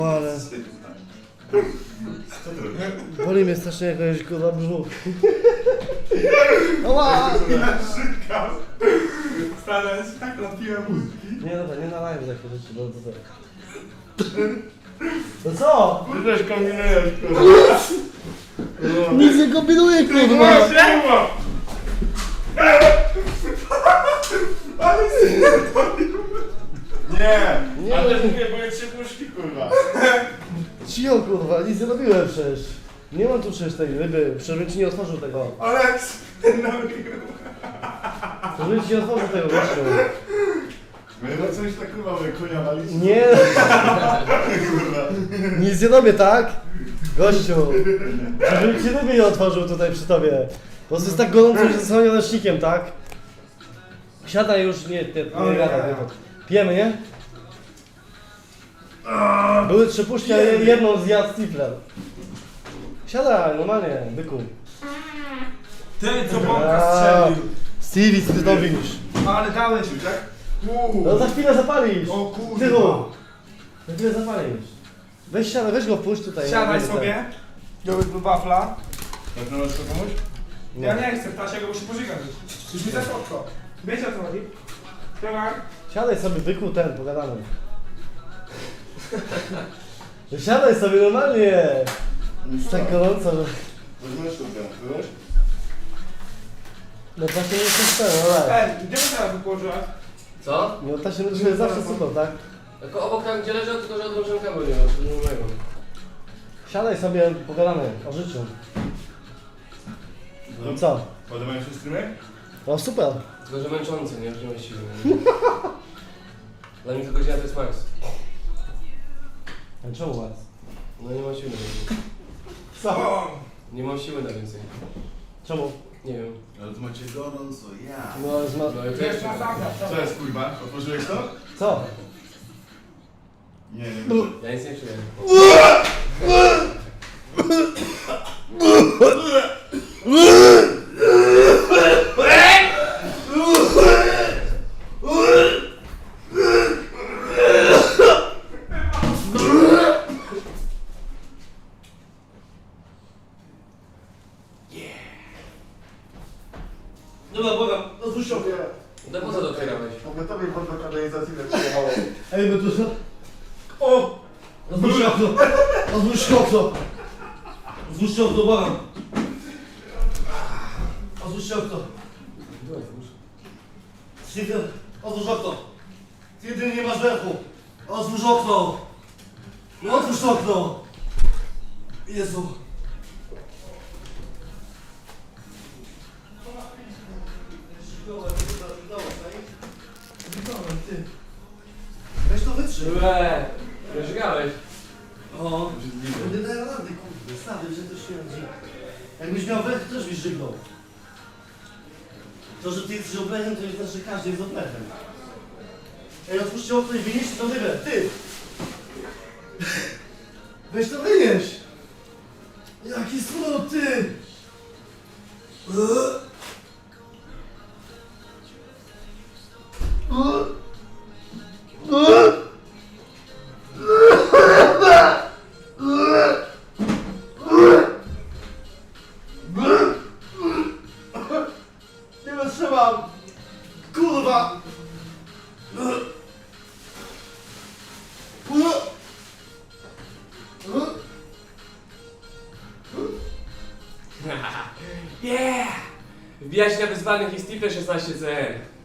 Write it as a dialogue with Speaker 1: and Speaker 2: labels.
Speaker 1: Ale... Boli mnie strasznie jakoś kurwa brzuch. Oła!
Speaker 2: Stary, ja się tak napiłem muzyki.
Speaker 1: Nie dobra, nie nalajmy takie rzeczy, bo to no co?
Speaker 2: Ty też kombinujesz, kurwa.
Speaker 1: Nic nie kombinuję kurwa!
Speaker 2: Ale nie!
Speaker 1: Nie,
Speaker 2: A też mówię, bo trzy puszki, kurwa.
Speaker 1: Cicho kurwa, nic nie robiłem przecież. Nie mam tu przecież tej ryby, przecież ci nie otworzył tego.
Speaker 2: Oleks!
Speaker 1: Przecież ci nie otworzył tego gościu.
Speaker 2: My no coś tak kurwa, my konia walić.
Speaker 1: Nie!
Speaker 2: Kurwa.
Speaker 1: Nic nie robię, tak? Gościu! Przecież ci ryby nie otworzył tutaj przy tobie. Po prostu jest tak gorąco, że zasłania lecznikiem, tak? Siadaj już, nie gadaj, nie to. Pijemy, nie? Były trzy puszki, ale jedną zjadł Stifler. Siadaj, normalnie, byku.
Speaker 3: Ty, co bąka strzelił.
Speaker 1: Stevie, co ty robisz?
Speaker 3: Ale dałeś już, tak?
Speaker 1: No za chwilę zapalisz.
Speaker 3: O kurwa.
Speaker 1: Tychu. Za chwilę zapalisz. Weź siadaj, weź go wpuść tutaj.
Speaker 3: Siadaj sobie. Biorę tu wafla.
Speaker 2: Tak należy to komuś?
Speaker 3: Ja nie chcę, Tasiego, bo się pożygam. Już mi za słodko. Wiecie o co chodzi? Dobra.
Speaker 1: Siadaj sobie, byku, ten, pogadamy. No siadaj sobie normalnie. Jest tak gorąco, że...
Speaker 2: Weźmiesz sztukę, wiesz?
Speaker 1: No ta się nie chce, no daj.
Speaker 3: Gdzie my teraz wypożyłaś?
Speaker 4: Co?
Speaker 1: No ta się jest zawsze super, tak?
Speaker 4: Tylko obok tam gdzie leżał, tylko że odłożyłem kabel, nie ma, czyli nie mojego.
Speaker 1: Siadaj sobie, pogadamy o życiu. No co?
Speaker 2: Podobają się streamy?
Speaker 1: No super.
Speaker 4: Tylko że męczący, nie? Że nie ma siły. Nie? Dla mnie to godzina to jest max.
Speaker 1: A czemu was?
Speaker 4: No nie mam siły na więcej.
Speaker 3: Co?
Speaker 4: Nie mam siły na więcej.
Speaker 1: Czemu?
Speaker 4: Nie wiem.
Speaker 2: Ale tu macie gorąco, ja.
Speaker 1: No,
Speaker 4: No i to
Speaker 3: Wiesz,
Speaker 4: jeszcze
Speaker 3: na zawsze.
Speaker 2: Co jest kurwa? Otworzyłeś to?
Speaker 1: Co?
Speaker 2: Nie, nie.
Speaker 4: Ja nic nie czuję.
Speaker 1: Dobra, błagam, otwórz się.
Speaker 4: No po co dotwierałeś?
Speaker 2: Pogotowie pod kanalizacyjne przyjechało.
Speaker 1: Ej, my tu... O! Otwórz okno! Otwórz okno! Otwórz okno, błagam! Otwórz okno! Stephen, otwórz okno! Stephen, nie masz werchu! Otwórz okno! No otwórz okno! Jezu! Ty. Weź to wytrzyj.
Speaker 4: Wyżygałeś.
Speaker 1: O, nie daję rady, kurde, stary, że to śmierdzi. Jakbyś miał wech, też byś żygnął. To, że ty jesteś oblechem, to nie znaczy, że każdy jest oblechem. Ej, otwórzcie okno i wynieście to rybę, ty! Weź to wynieś! Jaki smród, ty! Nie wytrzymam! Kurwa!
Speaker 4: Yeah! Wbijać na wyzwanych i Steve 16 CN.